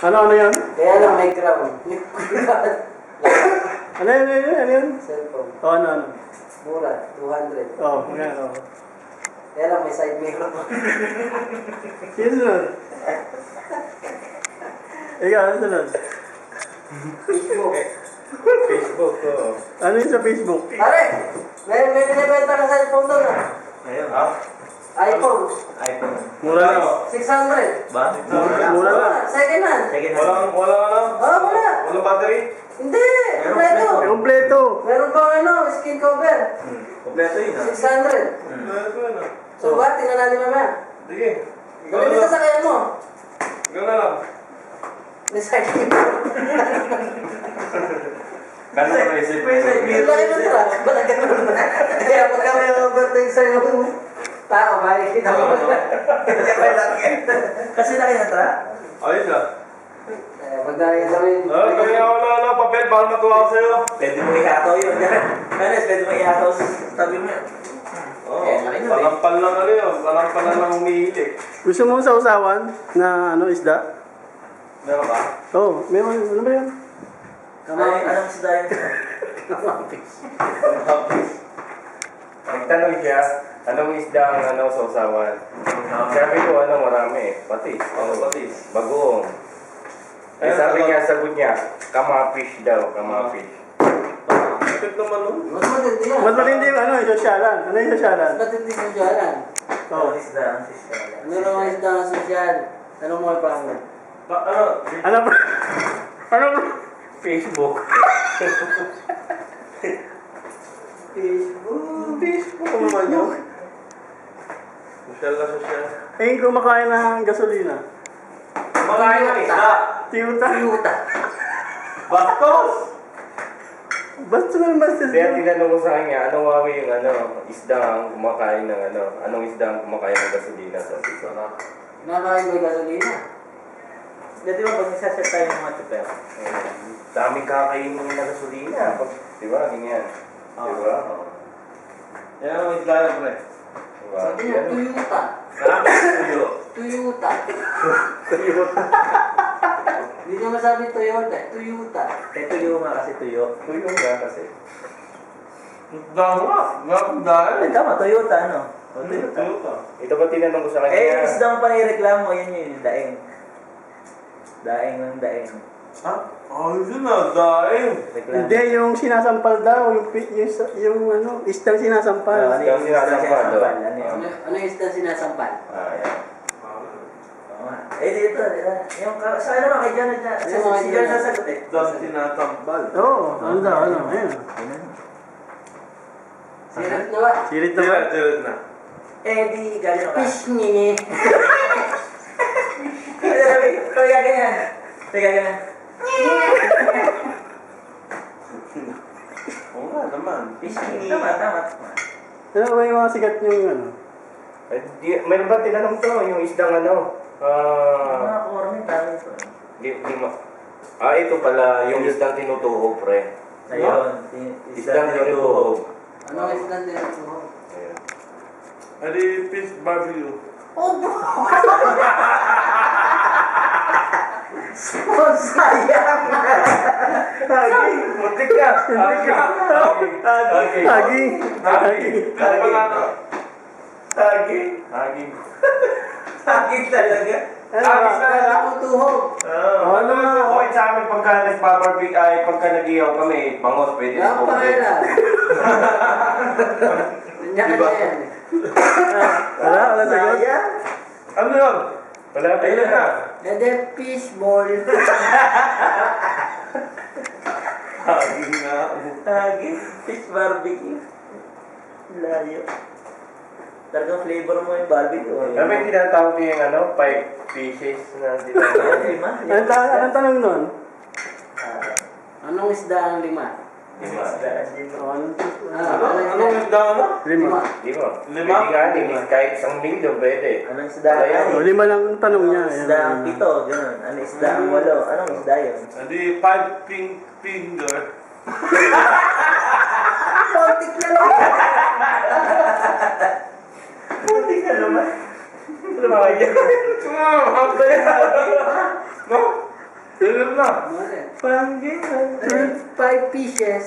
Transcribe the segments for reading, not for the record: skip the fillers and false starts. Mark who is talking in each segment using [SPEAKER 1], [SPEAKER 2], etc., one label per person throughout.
[SPEAKER 1] Ano yan?
[SPEAKER 2] Kaya lang may ground.
[SPEAKER 1] Ano yan?
[SPEAKER 2] Cellphone.
[SPEAKER 1] Ano?
[SPEAKER 2] Mura, 200.
[SPEAKER 1] Yan,
[SPEAKER 2] Kaya lang may side mirror.
[SPEAKER 1] Sino nun? Ikaw, ano sunod?
[SPEAKER 2] Facebook.
[SPEAKER 3] Facebook ko.
[SPEAKER 1] Ano yun sa Facebook?
[SPEAKER 2] Pare, may binibenta ka cellphone doon ah.
[SPEAKER 3] Ayun. Ha?
[SPEAKER 2] iPhone.
[SPEAKER 3] iPhone.
[SPEAKER 1] Mura lang.
[SPEAKER 2] 600.
[SPEAKER 3] Ba?
[SPEAKER 1] Mura lang.
[SPEAKER 2] Second hand.
[SPEAKER 3] Second hand.
[SPEAKER 4] Walang
[SPEAKER 2] Wala.
[SPEAKER 4] walang battery?
[SPEAKER 2] Hindi. Kompleto.
[SPEAKER 1] Kompleto.
[SPEAKER 2] Meron bang skin cover?
[SPEAKER 3] Kompleto yun ha?
[SPEAKER 2] 600.
[SPEAKER 4] Ito na.
[SPEAKER 2] So ba, tingnan natin mamaya.
[SPEAKER 4] Sige.
[SPEAKER 2] Galing dito sa kaya mo.
[SPEAKER 4] Ikaw na lang.
[SPEAKER 2] May side mirror.
[SPEAKER 4] Gano'n ka naisip?
[SPEAKER 2] Ang laki ng truck. Ba't ganun? Kaya pagka may overtake sa'yo, tao, makikita mo.
[SPEAKER 3] Kasi laki ng truck.
[SPEAKER 4] Ayos ah.
[SPEAKER 2] Pag nakikita mo yun.
[SPEAKER 4] Kaya ako na papel para matuwa ako sa'yo.
[SPEAKER 3] Pwede mo ihataw yun. Kanes, pwede mo ihataw sa tabi mo.
[SPEAKER 4] Oo.
[SPEAKER 3] Laki nun eh.
[SPEAKER 4] Palampal lang ano yun. Palampal lang umihilig.
[SPEAKER 1] Gusto mo sa usawan na isda?
[SPEAKER 4] Meron ba?
[SPEAKER 1] Meron. Ano ba yan?
[SPEAKER 3] Anong isda yun?
[SPEAKER 5] Nagtanong siya, anong isda ang sa usawan? Sabi ko, marami. Patis.
[SPEAKER 4] Patis.
[SPEAKER 5] Bagoong. Eh, sabi niya, sagot niya, kamafish daw, kamafish.
[SPEAKER 4] Bakit naman nun?
[SPEAKER 2] Mas matindi yan.
[SPEAKER 1] Mas matindi yung sosyalan. Ano yung sosyalan?
[SPEAKER 2] Mas matindi yung sosyalan.
[SPEAKER 3] Anong isda ang isda?
[SPEAKER 2] Ano naman isda ng sosyal? Anong mo yung pangalan?
[SPEAKER 1] Ano ba? Ano ba?
[SPEAKER 5] Facebook.
[SPEAKER 4] Facebook naman yun. Social na social.
[SPEAKER 1] Kumakain ng gasolina.
[SPEAKER 4] Kumakain ng isda.
[SPEAKER 1] Tiyuta.
[SPEAKER 2] Yuta.
[SPEAKER 4] Bastos!
[SPEAKER 1] Basta
[SPEAKER 5] Kaya tinanong ko sa kanya, ano wawi yung isda ang kumakain ng anong isda ang kumakain ng gasolina sa sisa?
[SPEAKER 2] Nakakain ba yung gasolina?
[SPEAKER 3] Dati ba pag nagsaset tayo ng mga tuper?
[SPEAKER 5] Daming kakainin ng gasolina. Di ba? Ganyan. Di ba?
[SPEAKER 4] Yan ang isda yun, pre.
[SPEAKER 5] Di ba?
[SPEAKER 2] Sabi niya, Toyota.
[SPEAKER 4] Tuyo.
[SPEAKER 2] Toyota. Hindi niya masabi Toyota, Toyota.
[SPEAKER 3] Tuyo nga kasi tuyo.
[SPEAKER 5] Tuyo nga kasi.
[SPEAKER 4] Isda nga. Gagandaan.
[SPEAKER 3] Tama, Toyota ano? Toyota.
[SPEAKER 4] Tuyo.
[SPEAKER 5] Ito ba tinanong ko sa kanya?
[SPEAKER 3] Eh, isda ang panireklamo, yan yun, yung daeng. Daeng ng daeng.
[SPEAKER 4] Ha? Ayos yun ah. Daing.
[SPEAKER 3] Reklamo.
[SPEAKER 1] Hindi, yung sinasampal daw. Yung isdang sinasampal.
[SPEAKER 3] Ano yung
[SPEAKER 5] sinasampal doon?
[SPEAKER 3] Ano yun?
[SPEAKER 2] Ano yung isda sinasampal?
[SPEAKER 5] Yan.
[SPEAKER 3] Oo nga. Dito. Yung, sa ano nga, kay John, si John sasagot eh.
[SPEAKER 4] Isda sinatambal.
[SPEAKER 1] Ano daw, Ayan.
[SPEAKER 2] Sirit na ba?
[SPEAKER 1] Sirit na ba?
[SPEAKER 4] Tirat na.
[SPEAKER 3] Di gano'n ka.
[SPEAKER 2] Fish ni.
[SPEAKER 3] Kaya ganyan. Kaya ganyan.
[SPEAKER 4] Oo nga naman.
[SPEAKER 3] Tama.
[SPEAKER 1] Ano ba yung mga sigat yung
[SPEAKER 5] Meron ba tinanong to? Yung isdang
[SPEAKER 3] Mga korme, dami ito.
[SPEAKER 5] Ito pala, yung isdang tinutuho, pre.
[SPEAKER 3] Ayun.
[SPEAKER 5] Isdang tinutuho.
[SPEAKER 2] Ano ang isda tinaturo?
[SPEAKER 5] Ayan.
[SPEAKER 4] Adi fish barbecue.
[SPEAKER 3] Oh, sayang!
[SPEAKER 5] Muntik ka!
[SPEAKER 1] Hagi.
[SPEAKER 4] Ano pa nga to?
[SPEAKER 5] Hagi.
[SPEAKER 3] Saging talaga.
[SPEAKER 4] Agis na lang.
[SPEAKER 2] Tutuhog.
[SPEAKER 1] Ano nga?
[SPEAKER 5] Okay sa amin pagka nagpaparbig ay pagka nag-iyaw kami, bangos, pwede
[SPEAKER 2] Ang
[SPEAKER 5] po.
[SPEAKER 2] pangalan.
[SPEAKER 5] Diba?
[SPEAKER 2] Kanya-kanya yan.
[SPEAKER 1] Wala sagot.
[SPEAKER 3] Sayang.
[SPEAKER 4] Ano yun?
[SPEAKER 5] Wala pa
[SPEAKER 4] Ayun
[SPEAKER 5] yun
[SPEAKER 4] na.
[SPEAKER 2] And then fish ball.
[SPEAKER 4] Hagi nga.
[SPEAKER 3] Saging. Fish barbecue. Layo. Talagang flavor mo yung barbecue.
[SPEAKER 5] Kami yung tinatawag yung 5 pieces na tinatawag.
[SPEAKER 3] Lima.
[SPEAKER 1] Anong tanong nun?
[SPEAKER 2] Anong isda ang lima?
[SPEAKER 5] Lima.
[SPEAKER 4] Anong isda ano?
[SPEAKER 1] Lima.
[SPEAKER 5] Lima.
[SPEAKER 4] Lima?
[SPEAKER 5] Pwede nga, kahit isang linggo, pwede.
[SPEAKER 3] Anong isda?
[SPEAKER 1] Lima lang ang tanong niya.
[SPEAKER 3] Anong isda ang pito? Ganun. Anong isda ang walo? Anong isda yun?
[SPEAKER 4] Adi 5 finger.
[SPEAKER 2] Kontik na lang.
[SPEAKER 3] Puti ka naman.
[SPEAKER 5] Ano mga yan?
[SPEAKER 4] Hapda yan. No? na.
[SPEAKER 1] Panggi.
[SPEAKER 2] 5 pieces.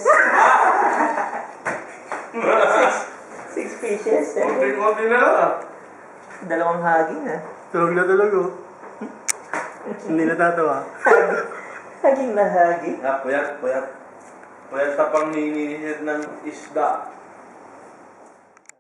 [SPEAKER 3] 6 fishes.
[SPEAKER 4] Konti-konti na lang ah.
[SPEAKER 3] Dalawang haging ah.
[SPEAKER 1] Tulog na tulog oh. Hindi natatawa.
[SPEAKER 3] Haging na haging.
[SPEAKER 4] Ah, puyat. Puyat pa pang hinihinid ng isda.